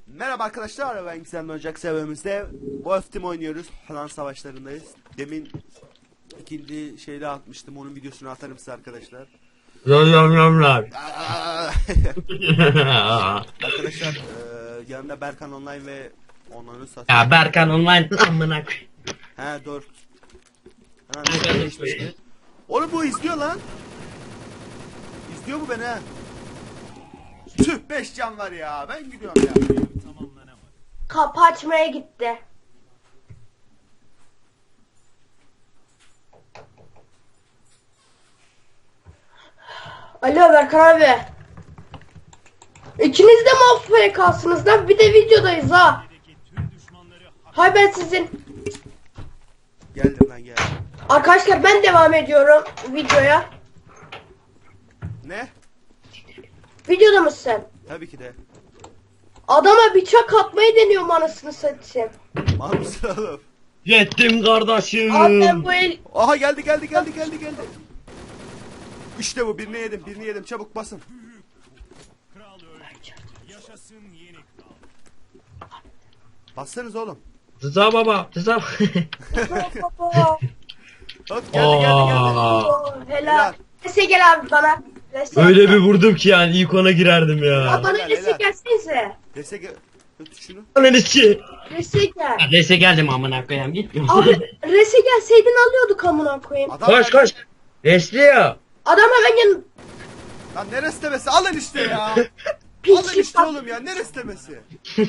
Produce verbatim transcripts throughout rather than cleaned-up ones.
Merhaba arkadaşlar, ben Gizemli Ocak serverimizde Wolf Team oynuyoruz. Falan savaşlarındayız. Demin ikinci şeyde atmıştım, onun videosunu atarım size arkadaşlar. Yamyamlar. Arkadaşlar e, yanımda Berkan Online ve onları satıyor. Ya Berkan Online amına koy. He doğru. Ha, değişmişti. Oğlum bu izliyor lan. İzliyor bu beni ha. Tüh, beş can var ya, ben gidiyorum ya. Kapı açmaya gitti. Alo Berkan abi. İkiniz de mi A F K'sınız lan? Bir de videodayız ha. Hay ben sizin. Geldim lan, geldim. Arkadaşlar ben devam ediyorum videoya. Ne? Videoda mısın sen? Tabii ki de. Adama bıçak atmayı deniyorum anasını satayım. Mal mısın oğlum? Yettim kardeşim. Abi ben bu el... Aha geldi geldi geldi geldi geldi. İşte bu, birini yedim birini yedim, çabuk basın. Bassanız oğlum. Rıza baba. Rıza. Hop geldi geldi geldi. Aa. Oo, helal. Helal. Rese gel abi bana. Rese. Öyle bir vurdum ki yani ilk ona girerdim Abi ya. bana Helal, rese helal. gelsenize. Dese gel. Tut şunu. Annesi. Rese gel. Neyse geldim amına koyayım git. Abi rese gelseydin alıyorduk amına koyayım. Adam Koş koş. Resli ya. Adam hemen yan... Lan neresi demesi, alın işte ya. Alın Piçli işte oğlum ya, neresi demesi.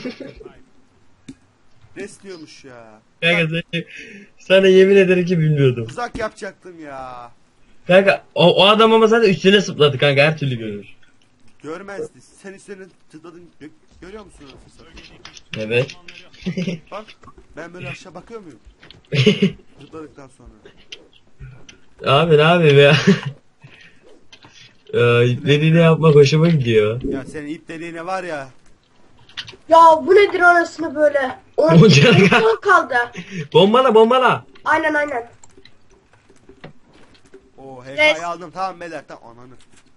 Resliyormuş ya. Kanka seni- sana yemin ederim ki bilmiyordum. Uzak yapacaktım ya. Kanka o, o adam ama zaten üstüne sıpladı kanka her türlü görür. Görmezdi. Sen üstüne tıkladın. Gö- Görüyor musun orası? Evet. Bak ben böyle aşağı bakıyor muyum? Tıkladıktan sonra. Abi ne yapayım ya. Ee, dediğini yapmak hoşuma gidiyor. Ya senin ip deliğine var ya. Ya bu nedir anasını böyle? On On canı kal- on kaldı. Bombala bombala. Aynen aynen. O Res. H K'yı aldım, tamam beyler, tamam ananı.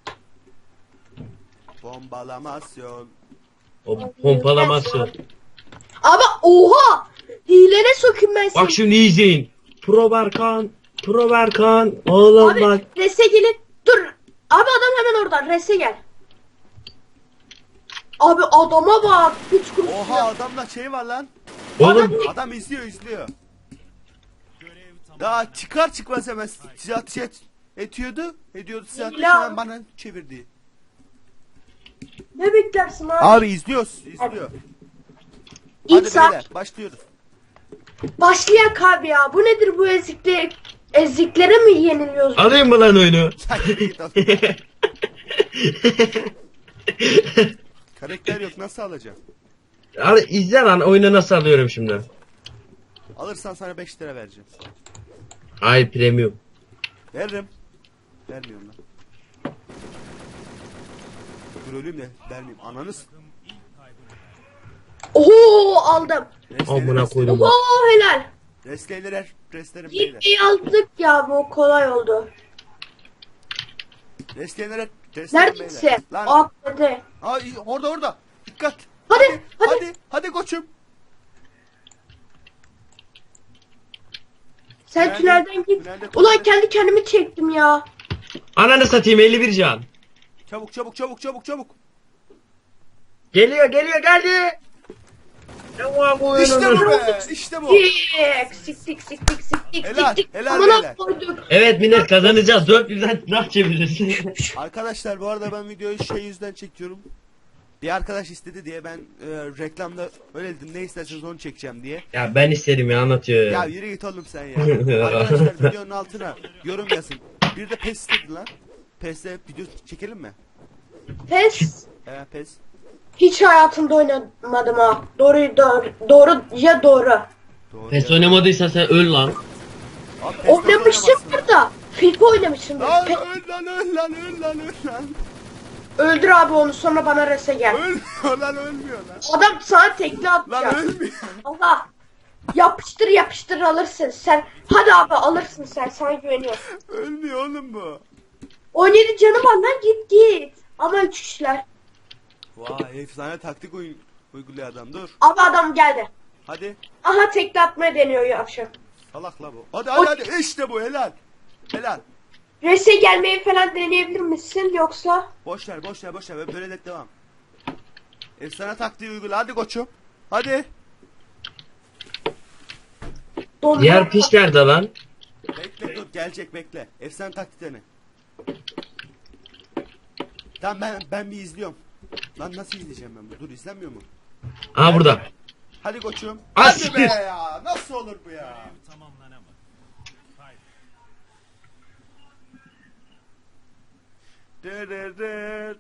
Bombalamasyon. O pompalaması. Abi oha! Hilene sokayım ben seni. Bak şimdi izleyin. Pro Berkan. Pro Berkan. Oğlum Abi bak. rese gelin. Dur. Abi adam hemen oradan. Rese gel. Abi adama bak. Hiç kuruş. Oha, adamda şey var lan. Oğlum. Adam izliyor izliyor. Daha çıkar çıkmaz hemen size ateş et, etiyordu. Ediyordu size ateş, Ya. hemen bana çevirdi. Ne beklersin abi? Abi izliyoruz izliyor. İlk Hadi saat beyler başlıyoruz. başlayak abi ya. Bu nedir bu eziklik? Eziklere mi yeniliyoruz? Alayım mı lan oyunu? Sen git oğlum. Karakter yok, nasıl alacağım? Abi izle lan oyunu nasıl alıyorum şimdi. Alırsan sana beş lira vereceğim. Ay premium. Veririm. Vermiyorum lan. Dur öleyim de vermeyeyim. Ananız. Oho aldım. Amına koydum. Oho helal. Restleyler, restlerim beyler. Gitmeyi aldık ya, bu kolay oldu. Restleyler, restlerim Neredesin? beyler. Lan. Atladı. Ay orada orada. Dikkat. Hadi, Hadi. hadi. Hadi, hadi koçum. Sen Tünelde- tünelden git. tünelde Ulan tünelde. kendi kendimi çektim ya. Ananı satayım elli bir can. Çabuk çabuk çabuk çabuk çabuk. Geliyor geliyor geldi. Tamam bu İşte oyunun- bu be. İşte bu. Sik sik sik sik sik sik Helal, sik. helal Amına beyler. koyduk. Evet millet kazanacağız. dört yüzden nah çeviririz. Arkadaşlar bu arada ben videoyu şey yüzden çekiyorum. Bir arkadaş istedi diye ben e, reklamda öyle dedim, ne isterseniz onu çekeceğim diye. Ya ben istedim ya anlatıyor. Ya yürü git oğlum sen ya. Arkadaşlar videonun altına yorum yazın. Bir de pes istedi lan. Pes'te video çekelim mi? Pes. He pes. Hiç hayatımda oynamadım ha. Doğru doğru. Doğru ya doğru. Doğru. Pes ya. oynamadıysan sen öl lan. Abi PES'te Oynamışımdır oynamazsın. da. FIFA oynamışımdır. Lan Pe- öl lan öl lan öl lan öl lan. Öldür abi onu, sonra bana rese gel. Ölmüyor lan, ölmüyor lan. Adam sana tekli Lan atacak. ölmüyor. Allah. Yapıştır yapıştır alırsın sen. Hadi abi alırsın sen, sana güveniyorum. Ölmüyor oğlum bu. on yedi canım var lan, git git. Ama üç kişiler. Vay efsane taktik oyun. Uyguluyor adam dur. Abi adam geldi. Hadi. Aha tekte atmaya deniyor yavşak. Salak la bu. Hadi hadi hadi işte bu helal. Helal. Rese gelmeyi falan deneyebilir misin yoksa? Boş ver boş ver boş ver böyle de devam. Efsane taktiği uygula hadi koçum. Hadi. Donma. Diğer piç nerede lan? Bekle dur gelecek bekle. Efsane taktiklerini. Tamam ben ben bir izliyorum. Lan nasıl izleyeceğim ben bu? Dur izlenmiyor mu? Aha burada. Hadi koçum. Ah, Hadi be siktir. ya. Nasıl olur bu ya? Dır dır dır.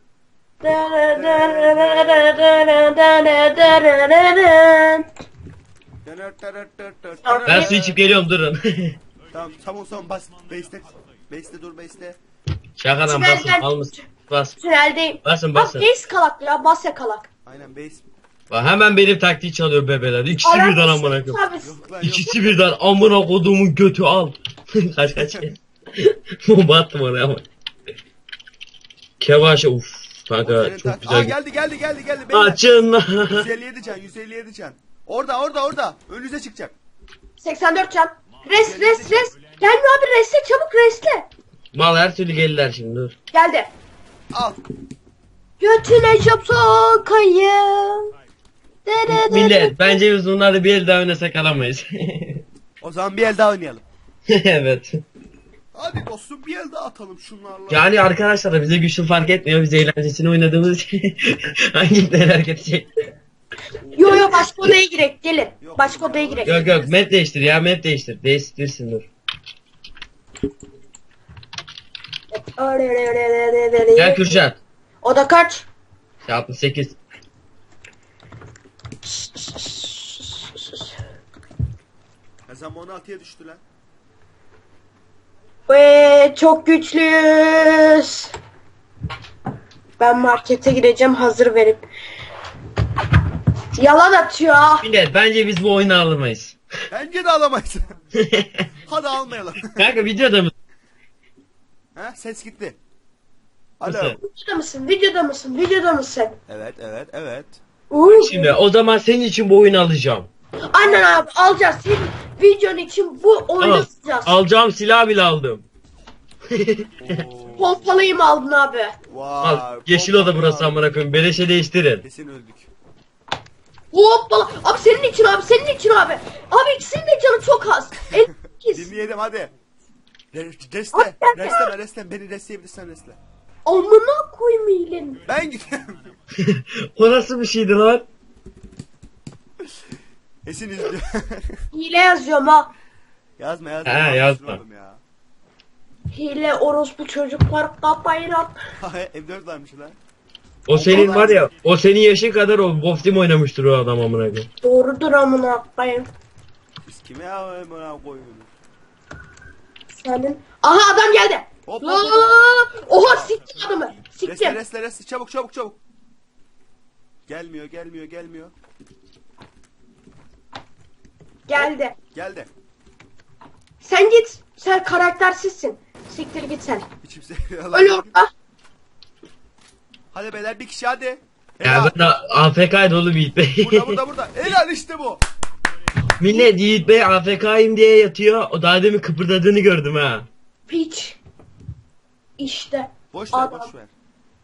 Dönür, dönür, dönür, dönür. Ben su içip geliyorum durun. Tamam tamam tamam bas. Base'te. Base'te dur base'te. Şakadan basın al mısın? Bas. Tüneldeyim. Basın Bak basın. base kalak ya bas yakalak. Aynen base. Bak hemen benim taktiği çalıyor bebeler. İkisi birden amına koyayım. Yok lan yok. İkisi birden amına koduğumun götü al. kaç kaç. Bomba attım oraya ama. Kevaşe uf. Kanka Senin çok tak- güzel. Aa, geldi geldi geldi geldi. Beyler. Açın lan. yüz elli yedi can yüz elli yedi can. Orada orada orada. Önünüze çıkacak. seksen dört can. Res res res. Gelme abi resle çabuk resle. Mal her türlü gelirler şimdi dur. Geldi. Al. Götüne çöp sokayım. Dere dere. Millet bence biz bunları bir el daha oynasak alamayız. O zaman bir el daha oynayalım. evet. Hadi dostum bir el daha atalım şunlarla. Yani arkadaşlar bize güçlü fark etmiyor. Biz eğlencesini oynadığımız için hangileri hareket edecek? Yo yo başka odaya girek gelin. Yok. Başka odaya girek. Yok yok map değiştir ya map değiştir. Değiştirsin dur. Gel Kürşat. Oda kaç? altmış sekiz. Kazanma on altıya düştü lan. Ve çok güçlüyüz. Ben markete gireceğim hazır verip. Yalan atıyor. Millet bence biz bu oyunu alamayız. Bence de alamayız. Hadi almayalım. Kanka videoda mı? ha ses gitti. Alo. Nasıl? Videoda mısın? Videoda mısın? Videoda mısın? Evet evet evet. Uuu. Şimdi o zaman senin için bu oyunu alacağım. Aynen abi alacağız. Senin videon için bu oyunu Al, tutacağız. alacağım silah bile aldım. Oo. Pompalıyı mı aldın abi? Vay. Al, yeşil oda burası amına koyayım. Beleşe değiştirin. Kesin öldük. Hoppala. Abi senin için abi senin için abi. Abi ikisinin de canı çok az. En ikisi. Dinleyelim hadi. Re- Resle. Hadi, hadi. Resleme resle. Beni resleyebilirsen resle. Amına koymayın. Ben gidiyorum. O nasıl bir şeydi lan? Esin izliyor. Hile yazıyorum ha. yazma yazma. He, Yapmışsın yazma. oğlum ya. Hile orospu çocuklar kafayı at. M dört varmış lan. O senin var ya, o senin yaşın kadar o Wolf Team oynamıştır o adam amına koyayım. Doğrudur amına koyayım. Biz kime amına koyuyoruz? Senin. Aha adam geldi. Hop, hop, La- hop. Oha siktim adamı. Resle Siktim. resle resle. Çabuk çabuk çabuk. Gelmiyor gelmiyor gelmiyor. Geldi. Geldi. Sen git. Sen karaktersizsin. Siktir git sen. Hiç kimse. Öl orada. Hadi beyler bir kişi hadi. Ya Helal. ben de A F K'ydı oğlum Yiğit Bey. Burada burada burada. Helal işte bu. Millet Yiğit Bey A F K'yim diye yatıyor. O daha demin kıpırdadığını gördüm ha. Piç. İşte. Boş ver Adam. boş ver.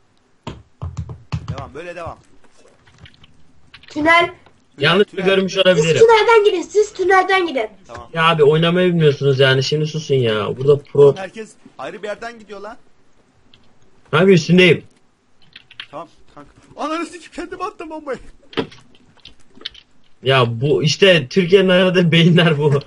Devam böyle devam. Tünel. Yanlış Tünel. görmüş Siz olabilirim. tünelden gidin. Siz tünelden gidin. Tamam. Ya abi oynamayı bilmiyorsunuz yani şimdi susun ya. Burada pro. Herkes ayrı bir yerden gidiyor lan. Abi üstündeyim. Tamam kanka. Ananı sikip kendime attım bombayı. Ya bu işte Türkiye'nin aradığı beyinler bu.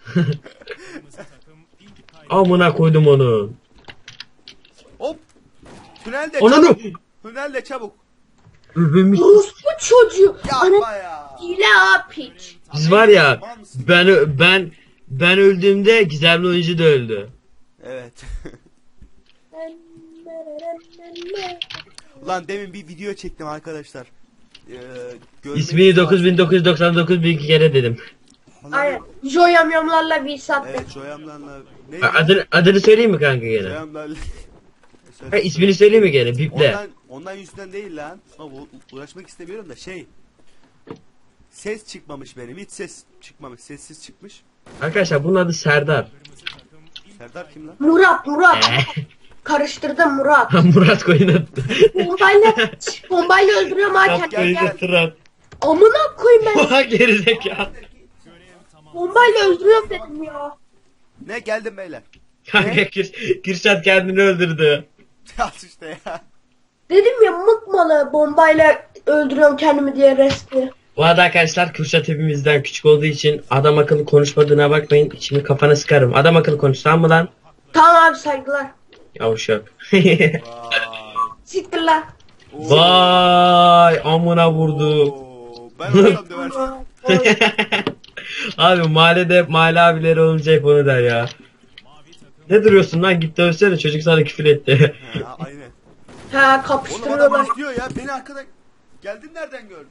Amına koydum onu. Hop. Tünelde Ananı. çabuk. Tünelde çabuk. Övünmüş. Orospu çocuğu. Ana Yapma ya. hile ha piç. Biz var ya ben ben ben öldüğümde gizemli oyuncu da öldü. Evet. Ulan demin bir video çektim arkadaşlar. Ee, görmeniz İsmini lazım. dokuz bin dokuz yüz doksan dokuz bin kere dedim. Ulan- Aynen. Joyamyamlarla bir sattı. Evet Joyamlarla. Ne? Adını, adını söyleyeyim mi kanka gene? Joyamlarla. Ha, ismini söyleyeyim mi gene? Biple. Ondan, ondan yüzünden değil lan. Ama bu- uğraşmak istemiyorum da şey. ses çıkmamış benim. Hiç ses çıkmamış. Sessiz çıkmış. Arkadaşlar bunun adı Serdar. Serdar kim lan? Murat Murat. Karıştırdım Murat. Murat koyun attı. Bombayla bombayla öldürüyorum ha kendini. Koyun Gel. attı. Amına koyayım ben. Oha gerizekalı. Bombayla öldürüyorum dedim ya. Ne geldim beyler. Kanka Kür Kürşat kendini öldürdü. Al işte ya. Dedim ya mıkmalı bombayla öldürüyorum kendimi diye resti. Bu arada arkadaşlar Kürşat hepimizden küçük olduğu için adam akıllı konuşmadığına bakmayın. Şimdi kafana sıkarım. Adam akıllı konuş tamam mı lan? Tamam abi saygılar. Yavuşak. Vay. Siktir lan. Oo. Vay amına vurdu. Oo, ben olsam döversin. Abi mahallede mahalle abileri olunca hep onu der ya. Ne duruyorsun lan git dövsene çocuk sana küfür etti. Ha, aynen. Ha Oğlum adam kapıştırıyorlar. istiyor ya. Beni arkada geldin nereden gördü?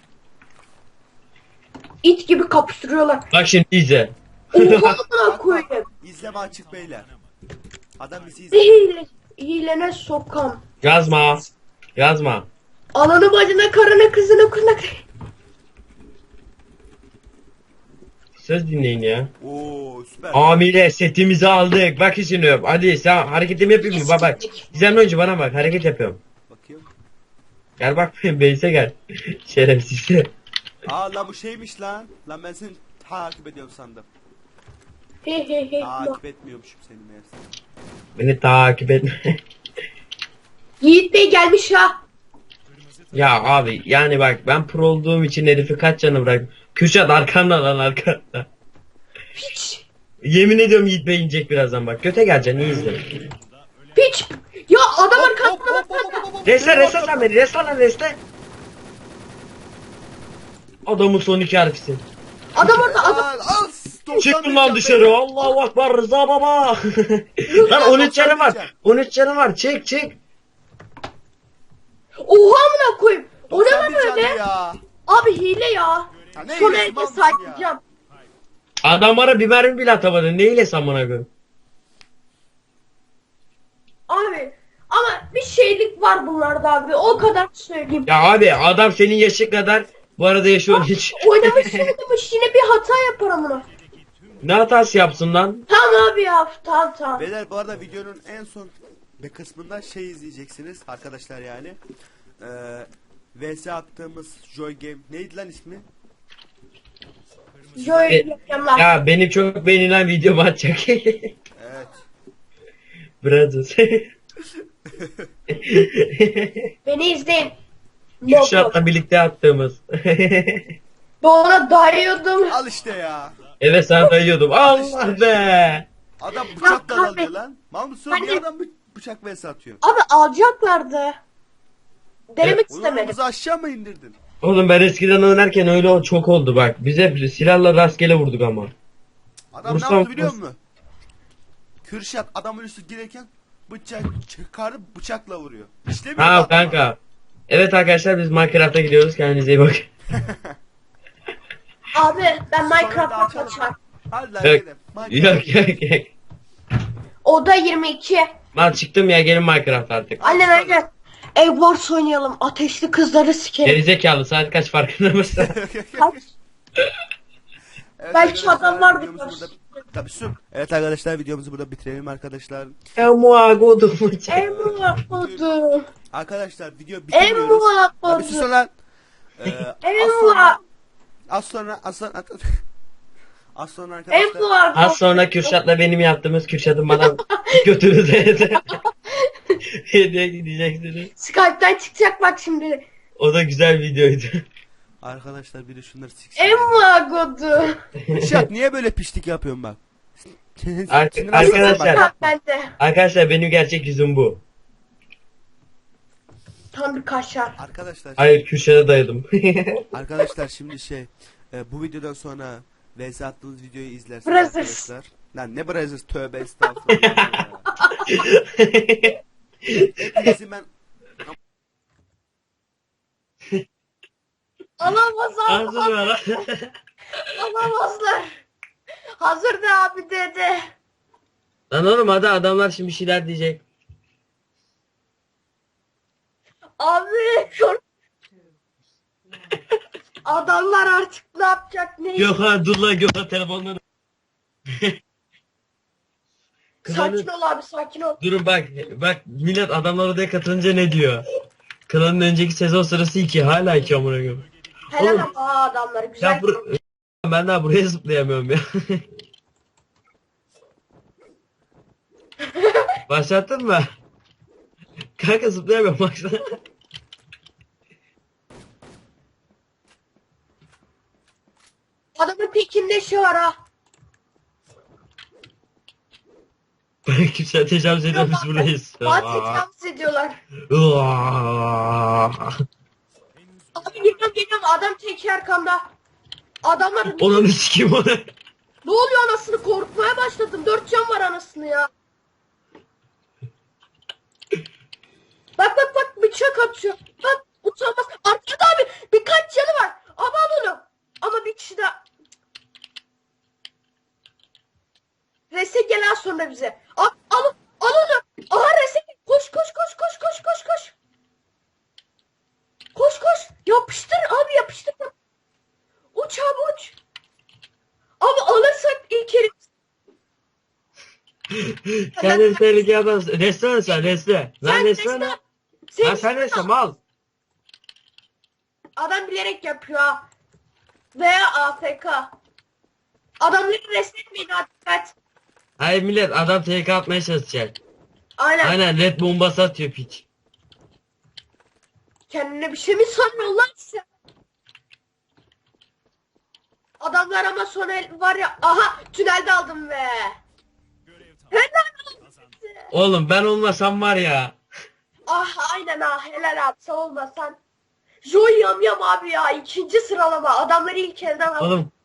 İt gibi kapıştırıyorlar. Bak şimdi izle. Oha amına Bak, bak, koyayım. İzleme açık beyler. Adam bizi izliyor. Hile, hilene sokam. Yazma. Yazma. Ananı bacına karına kızına kına. Söz dinleyin ya. Oo süper. Amire setimizi aldık. Bak şimdi. Hadi sen hareketimi yapayım mı? Bak bak. Gizemli oyuncu bana bak. Hareket yapıyorum. Bakayım. Gel bak Beyse gel. Şerefsiz. Aa lan bu şeymiş lan. Lan ben seni takip ediyorum sandım. He he he. Takip etmiyormuşum seni meğerse. Beni takip etme. Yiğit Bey gelmiş ha. Ya abi yani bak ben pro olduğum için herifi kaç canı bırak. Kürşat arkanda lan arkanda. Piç. Yemin ediyorum Yiğit Bey inecek birazdan bak. Göte geleceksin iyi izle. Piç. Ya adam Hop, arkasında hop, hop, hop, hop, hop. Reste reste sen beni reste lan reste. Adamın son iki harfisin. Adam orada adam. Al, al. doksan Çıktım lan can dışarı. beyler. Allahu Akbar Rıza baba. Lan on üç canı var. on üç canı var. Çık çık. Oha amına koyayım. O ne doksan lan bir canlı öyle? ya. Abi hile ya. Ya ne Son hilesi, elde mal mısın saklayacağım. Adamlara bir mermi bile atamadın. Neyle samına koyayım? Abi ama bir şeylik var bunlarda abi. O kadar söyleyeyim. Ya abi adam senin yaşı kadar bu arada yaşı on üç. Oynamış oynamış yine bir hata yapar amına. Ne hatası yapsın lan? Tamam abi ya. Tamam tamam. Beyler bu arada videonun en son bir kısmında şey izleyeceksiniz arkadaşlar yani. Ee, V S attığımız Joy Game neydi lan ismi? Joy E, yapacağım lan. Ya benim çok beğenilen videomu atacak. Evet. Brothers. Beni izleyin. Kürşat'la birlikte attığımız. Ben ona dayıyordum. Al işte ya. Evet sana dayıyordum. Allah be. Adam bıçakla kahve- dalıyor lan. Mal mısın? Hani- Bir adam bı- bıçak V S atıyor. Abi alacaklardı. Denemek Evet. Onu istemedim. bizi aşağı mı indirdin? Oğlum ben eskiden oynarken öyle o- çok oldu bak. Biz hep silahla rastgele vurduk ama. Adam Vursam- ne yaptı biliyor musun? Kürşat adamın üstü girerken bıçak çıkarıp bıçakla vuruyor. İşlemiyor Ha adam. kanka. Evet arkadaşlar biz Minecraft'a gidiyoruz. Kendinize iyi bakın. Abi ben Sonra da Minecraft'a açalım. kaçar. Hadi lan Yok. gidelim. Minecraft. Yok yok yok. Oda yirmi iki. Lan çıktım ya gelin Minecraft artık. Aynen aynen. Egg Wars oynayalım. Ateşli kızları sikerim. Gerizekalı saat kaç farkında mısın? Kaç? Evet Belki arkadaşlar, adam vardır videomuzu karşısında. burada- Tabii su. Evet arkadaşlar videomuzu burada bitirelim arkadaşlar. Emua kodumu çek. Emma kodu. Arkadaşlar video bitiriyoruz. Emma Tabii sus kodu. lan. Ee, az Emma. sonra az sonra az sonra az sonra arkadaşlar Emma Az sonra Kürşat'la benim yaptığımız Kürşat'ın bana götünü değdi. Hediye gideceksiniz. Skype'den çıkacak bak şimdi. O da güzel videoydu. arkadaşlar biri şunları siksin. Emma kodu. Şat niye böyle piştik yapıyorsun bak? Ar- Sinir arkadaşlar- hastası bak. Bak bende. Arkadaşlar benim gerçek yüzüm bu. Tam bir kaşar. Arkadaşlar Hayır Kürşat'a dayadım. arkadaşlar şimdi şey e, bu videodan sonra V S attığınız videoyu izlersiniz Brothers. arkadaşlar. Lan ne Brothers tövbe estağfurullah. ya. Hepinizin ben Alamaz Hazır alamaz. mı lan? Alamazlar. Hazır de abi dedi. Lan oğlum hadi adamlar şimdi bir şeyler diyecek. Abi. Adamlar artık ne yapacak ne Gökhan dur lan Gökhan telefonları. Sakin ol abi sakin ol. Durun bak bak millet adamlar odaya katılınca ne diyor? Klanın önceki sezon sırası iki hala iki amına koyayım. Helal Oğlum. ama adamları güzel. Ya bur ben daha buraya zıplayamıyorum ya. Başlattın mı? Kanka zıplayamıyorum baksana. Adamın tekinde şey var ha. Bana kimse tecavüz ediyor biz buradayız. Fatih tecavüz ediyorlar. Aa. Abi geliyorum geliyorum adam tek arkamda. Adamlar Onu sikeyim onu. ne oluyor anasını korkmaya başladım. Dört can var anasını ya. Bak bak bak bıçak atıyor. Bak utanmaz. Arkada abi birkaç canı var. Ama al onu. Ama bir kişi daha. Rese gel az sonra bize. Al, al, al onu. Aha Rese koş koş koş koş koş koş koş. Koş koş. Yapıştır abi yapıştır. Uç abi uç. Abi alırsak ilk herif. Kendini tehlikeye atmaz. Restoran sen resle. Lan Sen resle lan. Lan sen resle mal. Adam bilerek yapıyor ha. Veya A F K. Adamları resmetmeyin ha dikkat. Hayır millet adam T K atmaya çalışacak. Aynen. Aynen red bombası atıyor piç. Kendine bir şey mi sanıyorsun lan sen? Adamlar ama sonra var ya. Aha tünelde aldım be. Helal olsun. Oğlum ben olmasam var ya. Ah aynen ha helal abi sen olmasan. Joy yam yam abi ya ikinci sıralama adamları ilk elden aldım. Oğlum